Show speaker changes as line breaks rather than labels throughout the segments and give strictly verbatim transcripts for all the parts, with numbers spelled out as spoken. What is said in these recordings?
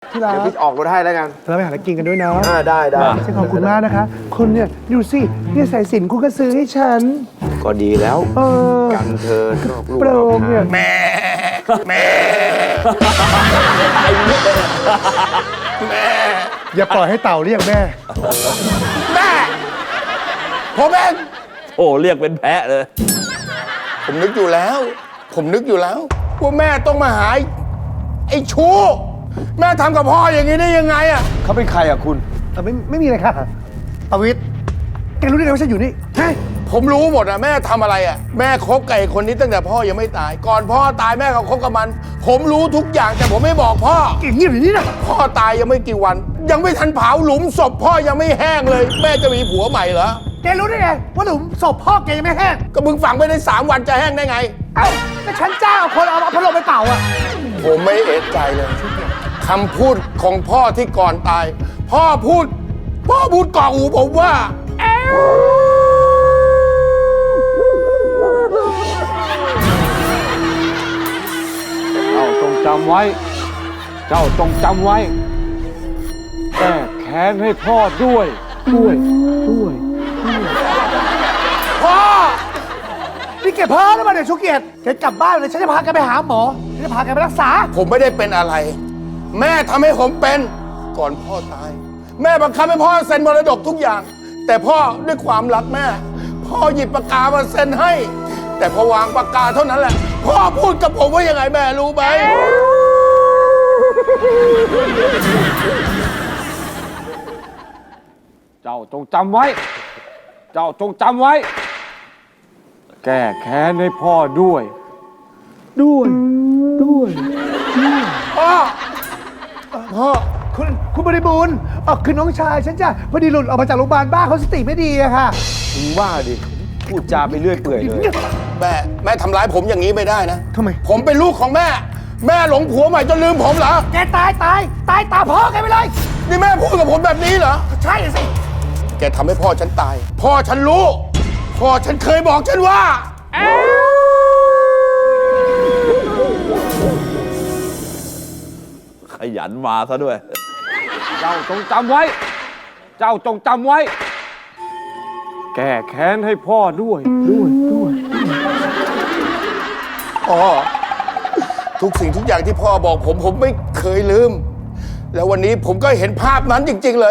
ที่ร้าน
เดี๋ยวพี่ออกรถให้แล้วกัน
เราไปหาอะไรกินกันด้วยเนาะ
อ่าได้ได้
ฉันขอบคุณมากนะคะคุณเนี่ยดูสิเนี่ยสายสิญจนคุณก็ซื้อให้ฉัน
ก็ดีแล้ว
เออ
กันเธอนอกลูก
โปร่งเนี่ย
แม่แม่แม่
อย่าปล่อยให้เต่าเรียกแม่
แม่ผมเอง
โอ้เรียกเป็นแพะเลย
ผมนึกอยู่แล้ว ผมนึกอยู่แล้วว่าแม่ต้องมาหาไอ้ชู้แม่ทำกับพ่ออย่างนี้ได้ยังไงอ่ะเขาเป็นใครอ่ะคุณ
เออไม่ไม่มีอะไรค่ะปวิทย์แกรู้ได้ไงว่าฉันอยู่นี่ฮะ
ผมรู้หมดอะแม่ทำอะไรอะแม่คบกับไอ้คนนี้ตั้งแต่พ่อยังไม่ตาย ก่อนพ่อตายแม่ก็คบกับมัน ผมรู้ทุกอย่างแต่ผมไม่บอกพ่อ
เก่งเงียบอยู่นี่นะ
พ่อตายยังไม่กี่วัน ยังไม่ทันเผาหลุมศพพ่อยังไม่แห้งเลย แม่จะมีผัวใหม่เหรอ
แกรู้ได้ไงว่าหลุมศพพ่อแกยังไม่แห้ง
ก็มึงฝังไปได้สามวันจะแห้งได้ไง
เอ้าก็ฉันจ้างเอาคนเอาเอาพัดลมไปเป่าอ่ะ
ผมไม่เอะใจเลยคำพูดของพ่อที่ก่อนตาย พ่อพูด พ่อพูดก่อหูผมว่า
เจ้าจงจำไว้ เจ้าจงจำไว้ แก้แค้นให้พ่อด้วย ด้วย ด้วย
พ่อ
นี่แกเพ้อหรือเปล่าเนี่ยชูเกียรติแกกลับบ้านเลยฉันจะพาแกไปหาหมอฉันจะพาแกไปรักษา
ผมไม่ได้เป็นอะไร แม่ทำให้ผมเป็นก่อนพ่อตาย แม่บังคับให้พ่อเซ็นมรดกทุกอย่าง แต่พ่อด้วยความรักแม่ พ่อหยิบปากกามาเซ็นให้ แต่พอวางปากกาเท่านั้นแหละ พ่อพูดกับผมว่ายังไงแม่รู้ไหม
เจ้าจงจำไว้ เจ้าจงจำไว้ แก้แค้นให้พ่อด้วย ด้วย ด้วย
พ่อ พ่อ
คุณคุณบริบูรณ์เออคือน้องชายฉันจ้ะพอดีหลุดออกมาจากโรงพยาบาลบ้าเขาสติไม่ดีอะค่ะ
มึงว่าดิ พูดจาไปเรื่อยเปื่อยเลย แม่ แม่ทำร้ายผมอย่างนี้ไม่ได้นะ
ทำไม
ผมเป็นลูกของแม่ แม่หลงผัวใหม่จนลืมผมเหรอ
แกตายตายตายตามพ่อแกไปเลย
นี่แม่พูดกับผมแบบนี้เหรอ
ใช่สิ
แกทำให้พ่อฉันตาย พ่อฉันรู้ พ่อฉันเคยบอกฉันว่า
ขยันมาซะด้วย
เจ้าจงจำไว้ เจ้าจงจำไว้ แก้แค้นให้พ่อด้วย ด้วย ด้วย
พ่อ ทุกสิ่งทุกอย่างที่พ่อบอกผมผมไม่เคยลืม แล้ววันนี้ผมก็เห็นภาพนั้นจริง ๆ เลย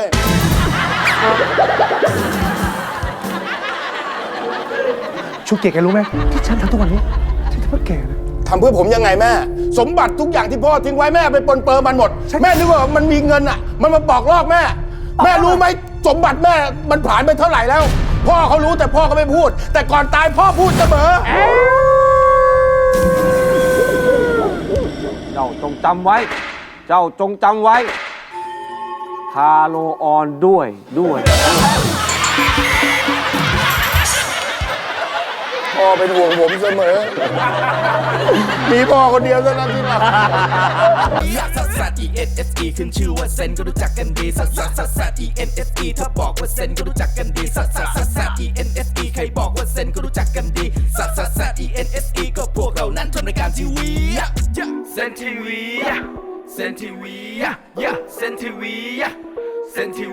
ชูเกียรติแกรู้ไหมที่ฉันทำทุกวันนี้ฉันทำเพื่อแกนะ
ทำเพื่อผมยังไงแม่ สมบัติทุกอย่างที่พ่อทิ้งไว้แม่ไปปนเปื้อนมันหมด
ใช่
แม่นึกว่ามันมีเงินอ่ะ มันมาปอกลอกแม่ แม่รู้ไหมสมบัติแม่มันผ่านไปเท่าไหร่แล้ว พ่อเขารู้แต่พ่อก็ไม่พูด แต่ก่อนตายพ่อพูดเสมอ
เจ้าจงจำไว้ เจ้าจงจำไว้ ทาโลออนด้วย ด้วย
พ่อเป็นห่วงผมเสมอ มีพ่อคนเดียวเท่านั้นที่รัก
ซัสซัส E N S E ขึ้นชื่อว่าเซนก็รู้จักกันดีซัสซัสซัสซัส E N S E ถ้าบอกว่าเซนก็รู้จักกันดีซัสซัสซัสซัส E N S E ใครบอกว่าเซนก็รู้จักกันดีซัสซัสซัส E N S E ก็พวกเรานั้นทำรายการทีวีเซนทีวีเซนทีวีเซนทีวีเซนที